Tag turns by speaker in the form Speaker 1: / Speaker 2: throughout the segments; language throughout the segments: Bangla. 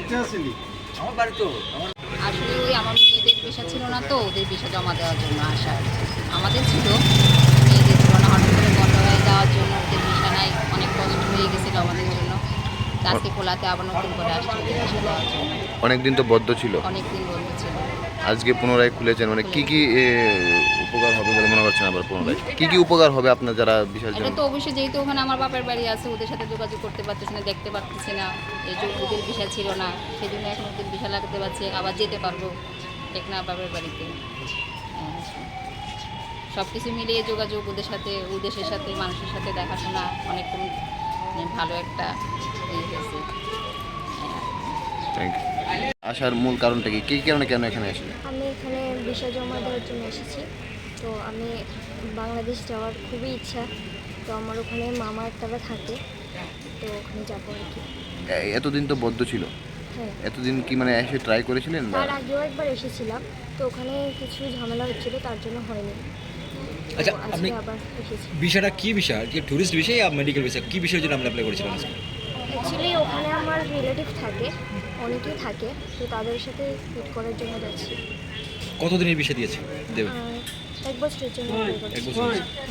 Speaker 1: আসলে ওই আমার মেয়েদের ভিসা ছিল না, তো ওদের ভিসা জমা দেওয়ার জন্য আসা। আমাদের ছিল, মেয়েদের ছিল না, হঠাৎ করে বন্ধ হয়ে যাওয়ার জন্য ওদের ভিসা নাই, অনেক কষ্ট হয়ে গেছিলো আমাদের জন্য। তো আজকে খোলাতে আবার নতুন করে আসছে ওদের ভিসা দেওয়ার জন্য।
Speaker 2: অনেকদিন তো বদ্ধ ছিল,
Speaker 1: অনেকদিন বন্ধ ছিল,
Speaker 2: আজকে পুনরায় খুলেছেন। মানে কি কি উপকার হবে বলে মনে করছেন? আবার পুনরায় কি কি উপকার হবে আপনার যারা বিশাল
Speaker 1: এটা তো অবশ্যই, যেহেতু ওখানে আমার বাপের বাড়ি আছে, ওদের সাথে যোগাযোগ করতে পারতেছি না, দেখতে পারতেছি না, এই যে ওদের ভিসা ছিল না, সেই জন্য এখন ওদের ভিসা লাগাতে পারছি, আবার যেতে পারবো টেকনা বাপের বাড়িতে। সব কিছু মিলিয়ে যোগাযোগ ওদের সাথে, ওই দেশের সাথে, মানুষের সাথে দেখাশোনা অনেক ভালো একটা হয়েছে।
Speaker 2: Thank you. আসার মূল কারণটা কি, কী কারণে কেন এখানে এসেছেন?
Speaker 3: আমি এখানে ভিসা জমা দেওয়ার জন্য এসেছি। তো আমি বাংলাদেশ যাওয়ার খুবই ইচ্ছা। তো আমার ওখানে মামা একটারা থাকে, তো ওখানে যাবো আর কি।
Speaker 2: এতদিন তো বদ্ধ ছিল,
Speaker 3: হ্যাঁ,
Speaker 2: এতদিন কি মানে এসে ট্রাই করেছিলেন?
Speaker 3: তার আগেও একবার এসেছিলাম, তো ওখানে কিছু ঝামেলা হচ্ছিল, তার জন্য হয়নি।
Speaker 4: আচ্ছা,
Speaker 3: তো
Speaker 4: আপনি
Speaker 3: আজকে আবার এসেছি।
Speaker 4: ভিসাটা কি ভিসা? কি ট্যুরিস্ট ভিসা বা মেডিকেল ভিসা? কি বিষয়ের জন্য আপনি অ্যাপ্লাই করেছিলেন আজকে?
Speaker 3: অ্যাকচুয়ালি ওখানে আমার রিলেটিভ থাকে, অনেকেই থাকে, তো তাদের সাথে মিট করার জন্য যাচ্ছি।
Speaker 4: কতদিনের ভিসা দিয়েছে দেবে?
Speaker 3: 1 বছরের জন্য apply করছি।
Speaker 4: 1 বছর।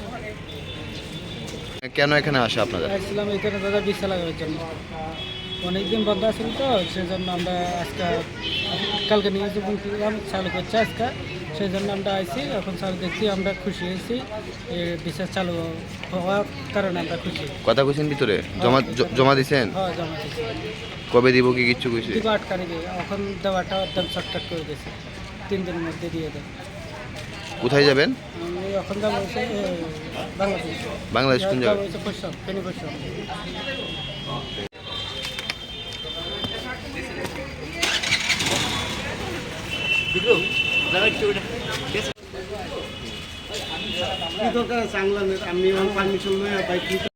Speaker 2: কেন এখানে আসা আপনাদের?
Speaker 5: আসছিলাম এখানে দাদা ভিসা লাগানোর জন্য। অনেকদিন বন্ধ আছিল তো, সেজন্য আমরা আজকে কালকে নিয়ে বলছিলাম চালু করছে আজকে, সেই জন্য আমরা আইছি। এখন চালু দেখছি, আমরা খুশি হয়েছি। ভিসা চালু হওয়ার কারণে আমরা খুশি।
Speaker 2: কথা কইছেন ভিতরে জমা দিছেন?
Speaker 3: हाँ,
Speaker 5: হ্যাঁ, জমা দিচ্ছি।
Speaker 2: কবে দিব কি কিচ্ছু কইছে?
Speaker 5: দিব 8 তারিখে। এখন দেওয়াটা একদম শর্টকাট করে দিয়েছে, 3 দিনের মধ্যে দিয়ে দেয়।
Speaker 2: কোথায় যাবেন?
Speaker 5: আমি এখন যাবো হচ্ছে বাংলাদেশ।
Speaker 2: বাংলাদেশ কোন
Speaker 5: যাবো
Speaker 2: জায়গায়?
Speaker 5: হচ্ছে পশ্চিম, ফেনী পশ্চিম।
Speaker 6: কি দরকার আছে আংলানের? আমি পারমিশন লই